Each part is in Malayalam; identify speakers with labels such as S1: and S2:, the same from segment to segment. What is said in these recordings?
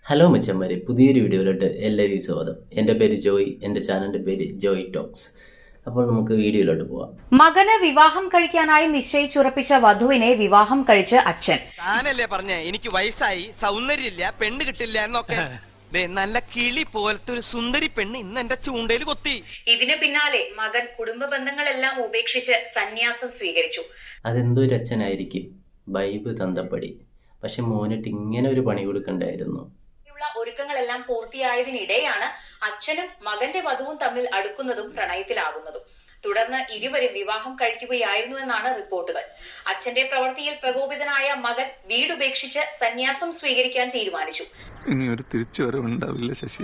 S1: ഹലോ മച്ചന്മാരെ, പുതിയൊരു വീഡിയോയിലോട്ട് എല്ലാവരും സ്വാഗതം. എൻ്റെ പേര് ജോയ്, എൻ്റെ ചാനലിൻ്റെ പേര് ജോയ് ടോക്സ്. അപ്പോൾ നമുക്ക് വീഡിയോയിലോട്ട് പോവാം.
S2: മകന് വിവാഹം കഴിക്കാനായി നിശ്ചയിച്ചുറപ്പിച്ച വധുവിനെ വിവാഹം കഴിച്ച് അച്ഛൻ.
S3: താനല്ലേ പറഞ്ഞേ എനിക്ക് വയസ്സായി, സൗന്ദര്യമില്ല, പെണ്ണ് കിട്ടില്ല എന്നൊക്കെ. നല്ല കിളി പോലത്തെ ഒരു സുന്ദരി പെണ്ണ് ഇന്ന് എന്റെ ചൂണ്ടയിൽ കൊത്തി.
S2: ഇതിനു പിന്നാലെ മകൻ കുടുംബ ബന്ധങ്ങളെല്ലാം ഉപേക്ഷിച്ച് സന്യാസം സ്വീകരിച്ചു.
S1: അതെന്തൊരു അച്ഛനായിരിക്കും, ബൈബ് തന്തപ്പടി. പക്ഷെ മോനിട്ട് ഇങ്ങനെ ഒരു പണി കൊടുക്കണ്ടായിരുന്നു.
S2: ഒരുക്കങ്ങളെല്ലാം പൂർത്തിയായതിനിടെയാണ് അച്ഛനും മകന്റെ വധുവും തമ്മിൽ അടുക്കുന്നതും പ്രണയത്തിലാകുന്നതും. തുടർന്ന് ഇരുവരും വിവാഹം കഴിക്കുകയായിരുന്നുവെന്നാണ് റിപ്പോർട്ടുകൾ. അച്ഛന്റെ പ്രവൃത്തിയിൽ പ്രകോപിതനായ മകൻ വീടുപേക്ഷിച്ച് സന്യാസം സ്വീകരിക്കാൻ തീരുമാനിച്ചു.
S4: ഇനി ഒരു തിരിച്ചുവരവുണ്ടാവില്ല ശശി.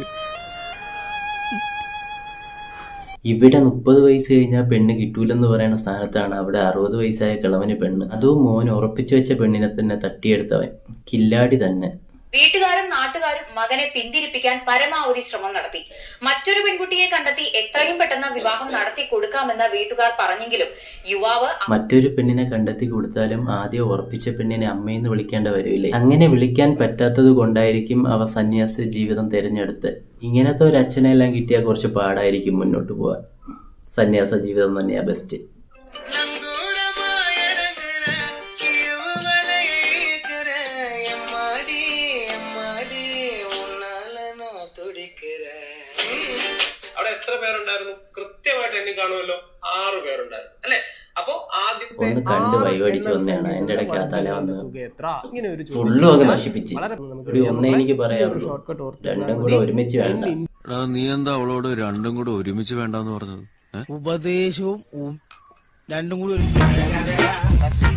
S1: ഇവിടെ 30 വയസ്സ് കഴിഞ്ഞാൽ പെണ്ണ് കിട്ടൂലെന്ന് പറയുന്ന സ്ഥാനത്താണ് അവിടെ 60 വയസ്സായ കിളവന് പെണ്ണ്. അതും മോൻ ഉറപ്പിച്ചു വെച്ച പെണ്ണിനെ തന്നെ തട്ടിയെടുത്തവൻ കില്ലാടി തന്നെ.
S2: വീട്ടുകാരും നാട്ടുകാരും മകനെ പിന്തിരിപ്പിക്കാൻ പരമാവധി ശ്രമം നടത്തി. മറ്റൊരു പെൺകുട്ടിയെ കണ്ടെത്തി എത്രയും പെട്ടെന്ന് വിവാഹം നടത്തി കൊടുക്കാമെന്ന് വീട്ടുകാർ പറഞ്ഞെങ്കിലും യുവാവ്
S1: മറ്റൊരു പെണ്ണിനെ കണ്ടെത്തി കൊടുത്താലും ആദ്യം ഉറപ്പിച്ച പെണ്ണിനെ അമ്മയെന്ന് വിളിക്കേണ്ട വരില്ലേ. അങ്ങനെ വിളിക്കാൻ പറ്റാത്തത് കൊണ്ടായിരിക്കും അവ സന്യാസ ജീവിതം തിരഞ്ഞെടുത്ത്. ഇങ്ങനത്തെ ഒരു അച്ഛനെല്ലാം കിട്ടിയാൽ കുറച്ച് പാടായിരിക്കും മുന്നോട്ട് പോവാൻ. സന്യാസ ജീവിതം തന്നെയാ ബെസ്റ്റ്.
S5: അവിടെ എത്ര പേരുണ്ടായിരുന്നു? കൃത്യമായിട്ട് എണ്ണി കാണുമല്ലോ, 6 പേരുണ്ടായിരുന്നു അല്ലെ? അപ്പൊ
S1: ഒന്ന് കണ്ട് വൈവടിച്ച് വന്നെയാണ്. എന്റെ ഇടയ്ക്ക് ആ തല വന്ന് ഫുള്ളും അങ്ങ് നശിപ്പിച്ച്. ഒരു ഒന്നേ എനിക്ക് പറയാറുള്ളൂ, രണ്ടും കൂടെ ഒരുമിച്ച് വേണ്ട.
S4: നീ എന്താ അവളോട് രണ്ടും കൂടെ ഒരുമിച്ച് വേണ്ടെന്ന് പറഞ്ഞത്?
S6: ഉപദേശവും രണ്ടും കൂടി ഒരുമിച്ച്